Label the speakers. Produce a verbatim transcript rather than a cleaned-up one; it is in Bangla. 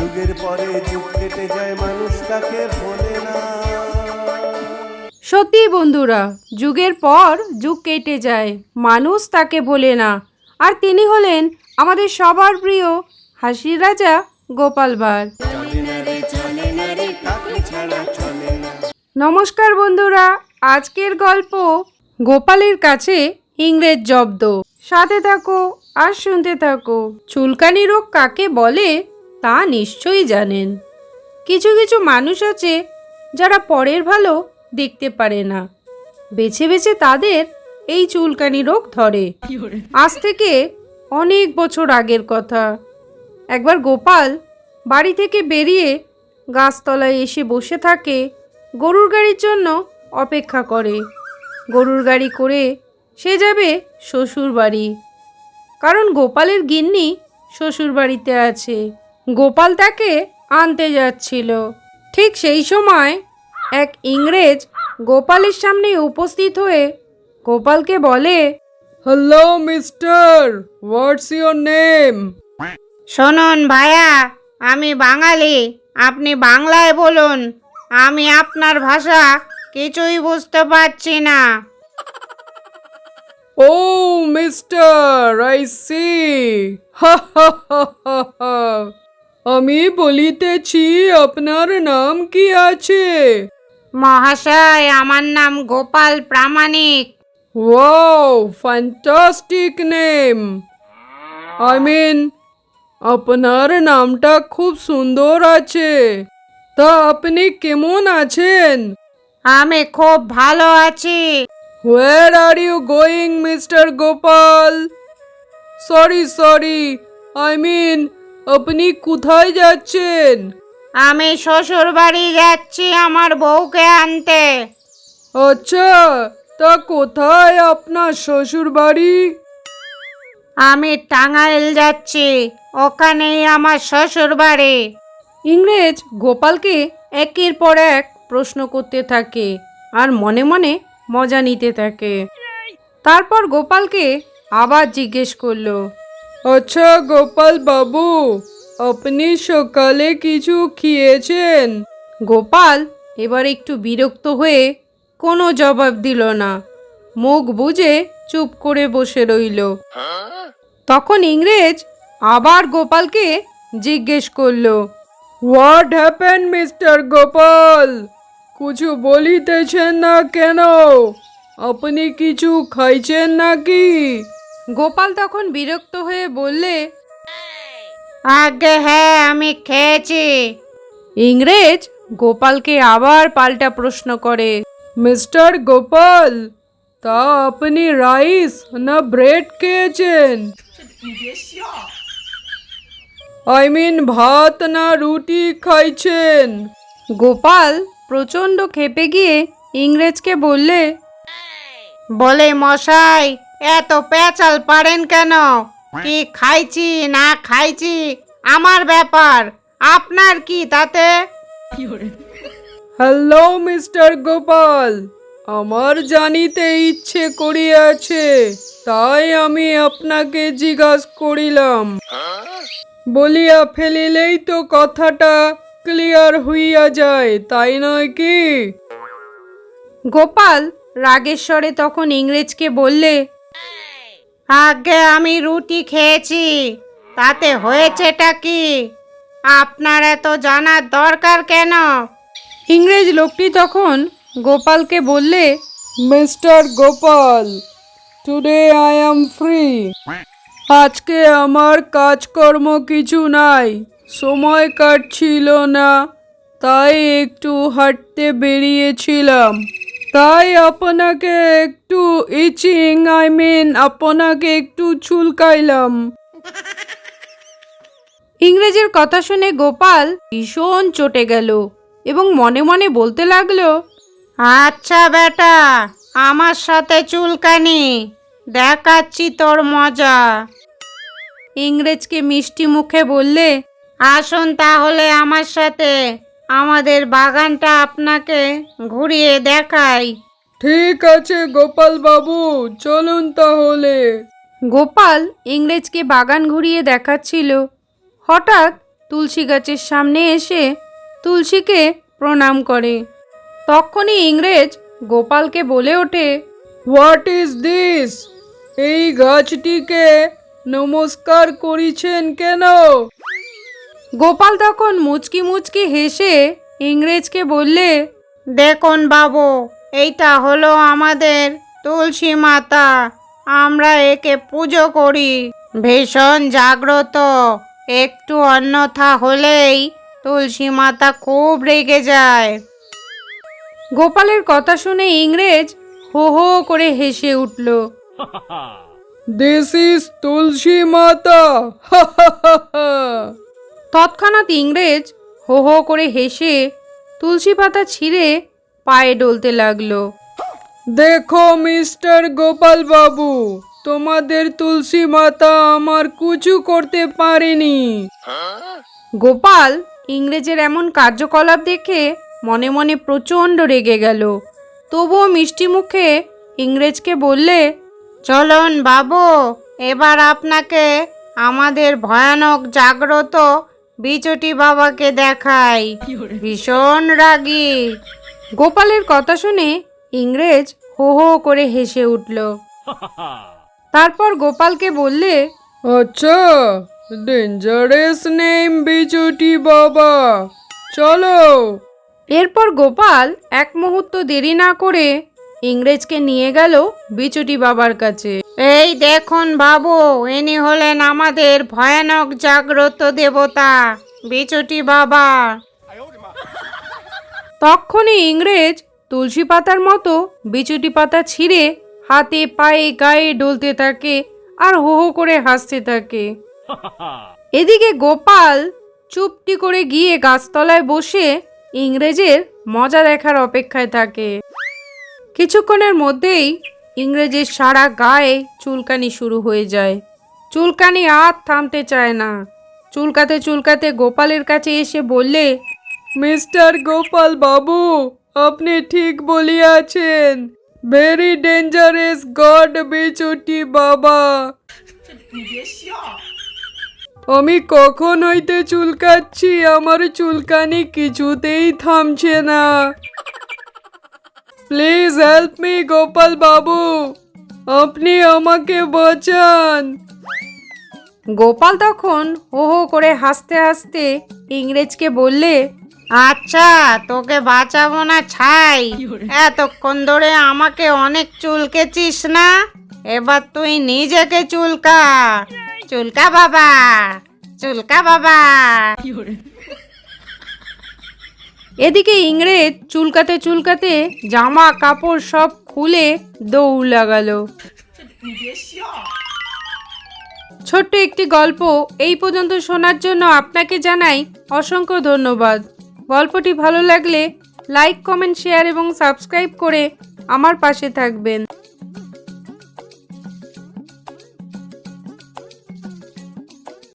Speaker 1: যুগের পরে যুগ কেটে যায়, মানুষ তাকে ভোলে না।
Speaker 2: সত্যি বন্ধুরা, যুগের পর যুগ কেটে যায়, মানুষ তাকে ভোলে না। আর তিনি হলেন আমাদের সবার প্রিয় হাসির রাজা গোপাল ভাঁড়। নমস্কার বন্ধুরা, আজকের গল্প গোপালের কাছে ইংরেজ জব্দ। সাথে থাকো আর শুনতে থাকো। চুলকানি রোগ কাকে বলে তা নিশ্চয়ই জানেন। কিছু কিছু মানুষ আছে যারা পরের ভালো দেখতে পারে না, বেছে বেছে তাদের এই চুলকানি রোগ ধরে। আজ থেকে অনেক বছর আগের কথা। একবার গোপাল বাড়ি থেকে বেরিয়ে গাছতলায় এসে বসে থাকে, গরুর গাড়ির জন্য অপেক্ষা করে। গরুর গাড়ি করে সে যাবে শ্বশুর বাড়ি, কারণ গোপালের গিন্নি শ্বশুর বাড়িতে আছে। গোপাল তাকে আনতে যাচ্ছিল। ঠিক সেই সময় এক ইংরেজ গোপালের সামনে উপস্থিত হয়ে গোপালকে বলে, hello mister, what's your name?
Speaker 3: শুনুন ভাইয়া, আমি বাঙালি, আপনি বাংলায় বলুন, আমি আপনার ভাষা কিছুই বুঝতে পারছি না।
Speaker 2: ও মিস্টার, আই সি, হা হা হা হা হা। আমি বলিতেছি, আপনার নাম কি আছে?
Speaker 3: মহাশয়, আমার নাম Gopal Pramanik.
Speaker 2: Wow, fantastic name. I mean, আপনার নামটা খুব সুন্দর আছে। তা আপনি কেমন আছেন?
Speaker 3: আমি খুব ভালো আছি।
Speaker 2: Where are you going mister Gopal? Sorry sorry, I mean, আপনি কোথায় যাচ্ছেন?
Speaker 3: আমি শ্বশুর বাড়ি যাচ্ছি আমার বউকে আনতে।
Speaker 2: আচ্ছা, তা কোথায় আপনার শ্বশুর বাড়ি?
Speaker 3: আমি টাঙ্গাইল যাচ্ছি, ওখানেই আমার শ্বশুর বাড়ি।
Speaker 2: ইংরেজ গোপালকে একের পর এক প্রশ্ন করতে থাকে আর মনে মনে মজা নিতে থাকে। তারপর গোপালকে আবার জিজ্ঞেস করলো, আচ্ছা গোপাল বাবু, আপনি সকালে কিছু খেয়েছেন? গোপাল এবার একটু বিরক্ত হয়ে কোনো জবাব দিল না, মুখ বুজে চুপ করে বসে রইল। তখন ইংরেজ আবার গোপালকে জিজ্ঞেস করলো, হোয়াট হ্যাপেন মিস্টার গোপাল? কিছু বলিতেছেন না কেন? আপনি কিছু খাইছেন নাকি? গোপাল তখন বিরক্ত হয়ে বললে,
Speaker 3: আগে হ্যাঁ, আমি খেয়েছি।
Speaker 2: ইংরেজ গোপালকে আবার পাল্টা প্রশ্ন করে, মিস্টার গোপাল, তা আপনি রাইস না ব্রেড খেয়েছেন? আই মিন, ভাত না রুটি খাইছেন? গোপাল প্রচণ্ড ক্ষেপে গিয়ে ইংরেজকে বললে,
Speaker 3: বলে মশাই, এত পেঁচাল পারেন কেন? কি খাইছি না খাইছি আমার ব্যাপার, আপনার কি তাতে?
Speaker 2: হ্যালো মিস্টার গোপাল, আমার জানিতে ইচ্ছে করিয়াছে, তাই আমি আপনাকে জিজ্ঞাসা করিলাম। বলিয়া ফেলিলেই তো কথাটা ক্লিয়ার হইয়া যায়, তাই নয় কি? গোপাল রাগেশ্বরে তখন ইংরেজকে বললে,
Speaker 3: আগে আমি রুটি খেয়েছি, তাতে হয়েছেটা কি? আপনার এত জানার দরকার কেন?
Speaker 2: ইংরেজ লোকটি তখন গোপালকে বললে, mister Gopal, today I am free. আজকে আমার কাজকর্ম কিছু নাই, সময় কাটছিল না, তাই একটু হাঁটতে বেরিয়েছিলাম। তাই আপনাকে একটু ইচিং, আই মিন আপনাকে একটু চুলকাইলাম। ইংরেজের কথা শুনে গোপাল ভীষণ চটে গেল এবং মনে মনে বলতে লাগলো,
Speaker 3: আচ্ছা বেটা, আমার সাথে চুলকানি, দেখাচ্ছি তোর মজা।
Speaker 2: ইংরেজকে মিষ্টি মুখে বললে,
Speaker 3: আসুন তাহলে আমার সাথে, আমাদের বাগানটা আপনাকে ঘুরিয়ে দেখাই।
Speaker 2: ঠিক আছে গোপাল বাবু, চলুন তাহলে। গোপাল ইংরেজকে বাগান ঘুরিয়ে দেখাচ্ছিল। হঠাৎ তুলসী গাছের সামনে এসে তুলসীকে প্রণাম করে। তখনই ইংরেজ গোপালকে বলে ওঠে,
Speaker 4: হোয়াট ইজ দিস? এই গাছটিকে নমস্কার করিছেন কেন?
Speaker 2: গোপাল তখন মুচকি মুচকি হেসে ইংরেজকে বললে,
Speaker 3: দেখুন বাবু, এইটা হলো আমাদের তুলসী মাতা। আমরা একে পুজো করি, ভীষণ জাগ্রত। একটু অন্যথা হলেই তুলসী মাতা খুব রেগে যায়।
Speaker 2: গোপালের কথা শুনে ইংরেজ হো হো করে হেসে উঠল।
Speaker 4: দিস ইজ তুলসী মাতা। হা হা হা হা।
Speaker 2: তৎক্ষণাৎ ইংরেজ হো হো করে হেসে তুলসী পাতা ছিঁড়ে পায়ে ডলতে লাগলো।
Speaker 4: দেখো মিস্টার গোপাল বাবু, তোমাদের তুলসী মাতা আমার কুচু করতে পারেনি।
Speaker 2: গোপাল ইংরেজের এমন কার্যকলাপ দেখে মনে মনে প্রচণ্ড রেগে গেল। তবুও মিষ্টি মুখে ইংরেজকে বললে,
Speaker 3: চলুন বাবু, এবার আপনাকে আমাদের ভয়ানক জাগ্রত বিচটি বাবাকে দেখাই। ভীষণ রাগী।
Speaker 2: গোপালের কথা শুনে ইংরেজ হো হো করে হেসে উঠল। তারপর গোপালকে বললে,
Speaker 4: আচ্ছা, ডেঞ্জারাস নেম বিচুটি বাবা, চলো।
Speaker 2: এরপর গোপাল এক মুহূর্ত দেরি না করে ইংরেজকে নিয়ে গেল বিচুটি বাবার কাছে।
Speaker 3: এই দেখুন বাবু, ইনি হলেন আমাদের ভয়ানক জাগ্রত দেবতা বিচটি বাবা।
Speaker 2: তখনই ইংরেজ তুলসী পাতার মতো বিচুটি পাতা ছিঁড়ে হাতে পায়ে গায়ে ডলতে থাকে আর হো হো করে হাসতে থাকে। এদিকে গোপাল চুপটি করে গিয়ে গাছতলায় বসে ইংরেজের মজা দেখার অপেক্ষায় থাকে। কিছুক্ষণের মধ্যেই ইংরেজের সারা গায়ে চুলকানি শুরু হয়ে যায়। চুলকানি আর থামতে চায় না। চুলকাতে চুলকাতে গোপালের কাছে এসে বললে,
Speaker 4: মিস্টার গোপাল বাবু, আপনি ঠিক বলিয়াছেন। ভেরি ডেঞ্জারাস গড বিচুটি বাবা। আমি কখন হইতে চুলকাচ্ছি, আমার চুলকানি কিছুতেই থামছে না। প্লিজ হেল্প মি গোপাল বাবু, আপনি আমাকে বাঁচান।
Speaker 2: গোপাল তখন হো হো করে হাসতে হাসতে ইংরেজকে বললে,
Speaker 3: আচ্ছা, তোকে বাঁচাবো না ছাই। এতক্ষণ ধরে আমাকে অনেক চুলকেছিস না, এবার তুই নিজেকে চুলকা। চুলকা বাবা, চুলকা বাবা।
Speaker 2: এদিকে ইংরেজ চুলকাতে চুলকাতে জামা কাপড় সব খুলে দৌড় লাগালো। ছোট্ট একটি গল্প এই পর্যন্ত শোনার জন্য আপনাকে জানাই অসংখ্য ধন্যবাদ। গল্পটি ভালো লাগলে লাইক, কমেন্ট, শেয়ার এবং সাবস্ক্রাইব করে আমার পাশে থাকবেন।